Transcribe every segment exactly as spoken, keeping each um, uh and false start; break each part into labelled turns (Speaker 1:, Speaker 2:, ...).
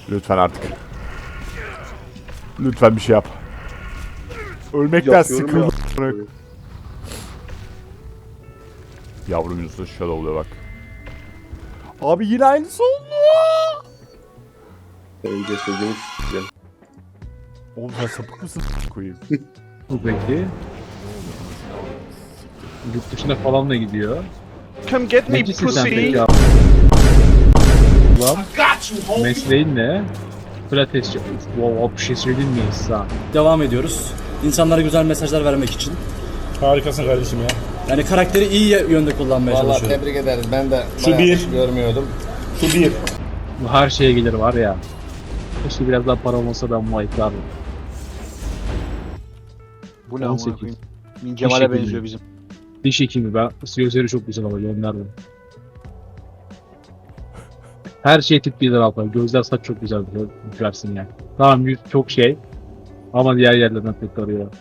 Speaker 1: Lütfen artık. Lütfen bir şey yap. Ölmekten sıkıldım. Ya. Yavrum Yunus'un şöyle oluyor bak. Abi yine aynısı oldu.
Speaker 2: Önce sözümü s**eceğim.
Speaker 1: Oğlum sen sapık mısın koyayım?
Speaker 3: Bu peki. Yurt dışına falan da gidiyor.
Speaker 4: Come get me
Speaker 3: Necisin sen
Speaker 4: pussy.
Speaker 3: peki abi? Ulan mesleğin ne? Pilates yapıyorsun. Wow, bir şey söyleyeyim mi İsa?
Speaker 5: Devam ediyoruz. İnsanlara güzel mesajlar vermek için.
Speaker 6: Harikasın kardeşim ya.
Speaker 5: Yani karakteri iyi yönde kullanmaya
Speaker 2: Vallahi
Speaker 5: çalışıyorum.
Speaker 2: tebrik ederiz. Ben de
Speaker 6: Şu bir.
Speaker 2: görmüyordum.
Speaker 6: Şu bir.
Speaker 3: Bu her şeye gelir var ya. Keşke biraz daha para olmasa ben bu ayıklardım.
Speaker 4: Bu ne
Speaker 3: on
Speaker 4: amına
Speaker 3: sekiz.
Speaker 4: koyayım? Min Cemal'e benziyor bizim.
Speaker 3: Diş hekimi ben. Gözleri çok güzel ama gönderdim. Her şey tip bir lira gözler saç çok güzel versin yani. Tamam yüz çok şey. Ama diğer yerlerden tek arıyor.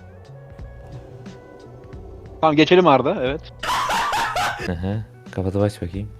Speaker 4: Tamam geçelim Arda, evet.
Speaker 7: Aha, kapatıp aç bakayım.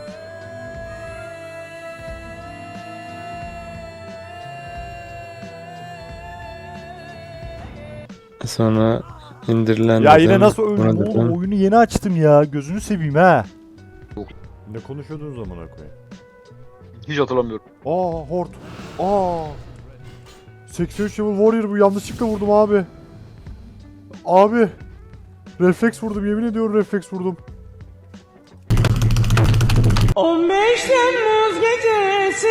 Speaker 8: Sonra indirilen
Speaker 1: Ya yine
Speaker 8: dedim,
Speaker 1: nasıl
Speaker 8: buna
Speaker 1: öldüm
Speaker 8: dedim.
Speaker 1: oğlum? Oyunu yeni açtım ya. Gözünü seveyim ha. Ne konuşuyordunuz zamana koyayım?
Speaker 4: Hiç hatırlamıyorum.
Speaker 1: Aa Hort. Aa. seksen üç level warrior bu, yanlışlıkla vurdum abi. Abi. Refleks vurdum, yemin ediyorum refleks vurdum.
Speaker 9: on beş Temmuz gecesi.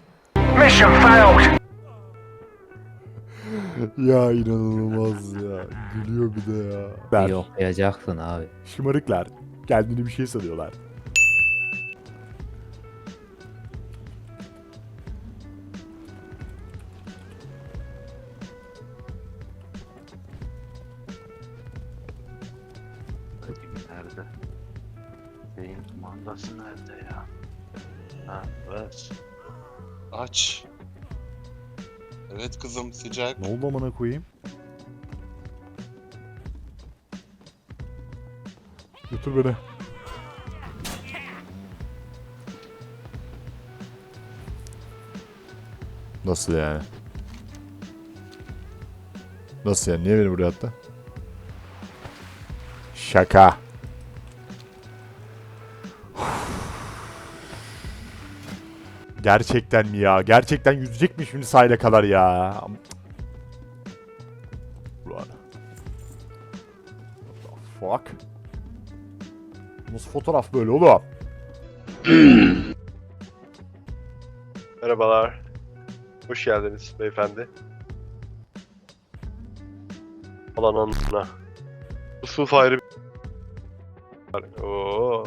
Speaker 1: Ya inanılmaz ya. Gülüyor bir de ya. Ben.
Speaker 7: Yoklayacaksın abi.
Speaker 1: Şımarıklar. Kendini bir şey sanıyorlar.
Speaker 10: Nerede? Beyin kumandası nerede ya? Ha, ver. Aç. Evet kızım, sıcak.
Speaker 1: Ne oldu amına koyayım? Götür beni. Nasıl yani? Nasıl yani? Niye beni buraya attı? Şaka. Gerçekten mi ya? Gerçekten yüzecek mi şimdi sahile kadar ya? Ulan. What the fuck? Nasıl fotoğraf böyle oğlum?
Speaker 10: Merhabalar. Hoş geldiniz beyefendi. Alan anına. Yusuf ayrı bir... Oo.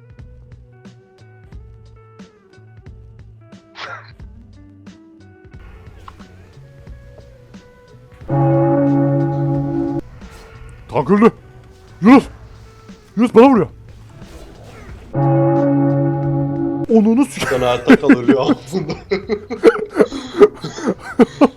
Speaker 1: Tank öldü. Yunus. Yunus bana vuruyor. Onunu s***.
Speaker 10: Kanaat takılıyor altında.